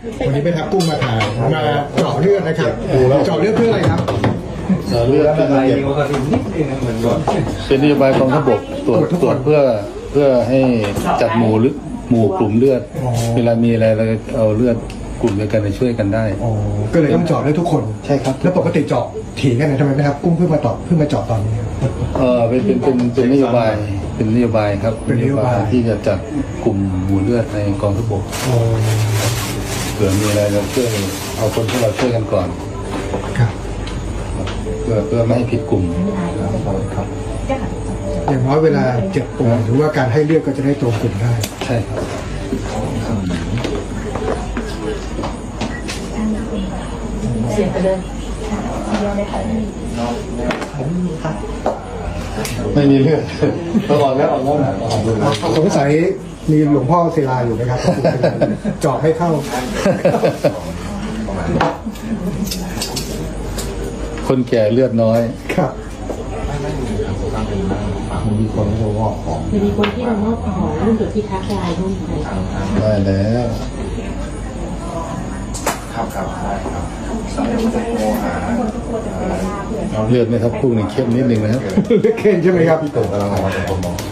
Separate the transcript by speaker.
Speaker 1: วันนี้ไปทับกุ้งมาถ่ายมาเจาะเลือดนะครับเจาะเลือดเพื่ออะไรครับ
Speaker 2: เลือดเป็นนโยบายกองทัพบกตรวจเพื่อให้จัดหมู่กลุ่มเลือดเวลามีอะไรเราเอาเลือดกลุ่มเดียวกันไปช่วยกันได้
Speaker 1: ก็เลยต้องเจาะได้ทุกคน
Speaker 2: ใช่ครับ
Speaker 1: แล้วปกติเจาะถี่กันไหนทำไมไม่ครับกุ้งเพิ่งมาเจาะตอนนี้
Speaker 2: เป็นนโยบายครับ
Speaker 1: เป็นนโยบาย
Speaker 2: ที่จะจัดกลุ่มหมู่เลือดในกองทัพบกเผื่อมีอะไรเราช่วยเอาคนที่เราช่วยกันก่อน
Speaker 1: ครับ
Speaker 2: เพื่อไม่ให้ผิดกลุ่มครับ
Speaker 1: อย่างน้อยเวลาเจ็บป่วยหรือว่าการให้เลือดก็จะได้ตรงกลุ่มได้
Speaker 2: ใช่ครับ
Speaker 3: เสียไปเลย
Speaker 2: ไม่มีเลือดต้องออกแล้ว
Speaker 1: สงสัยมีหลวงพ่อศิลาอยู่ไหมครับเจาะให้เข้า
Speaker 2: คนแก่เลือดน้อย
Speaker 1: ครับ
Speaker 2: มีคนที่วอกของ
Speaker 3: มีคนที่เรามอบของรุ่นจุดที่ทักลายรุ่นไหน
Speaker 2: ได้แล้ว
Speaker 4: ครับได้ครับ
Speaker 2: เลือดไหมครับพวกนี้เข้มนิดนึงนะครับ
Speaker 1: เลือดเคนใช่ไหมครับ
Speaker 4: พี่ตู่กำลังมาจากคนมอง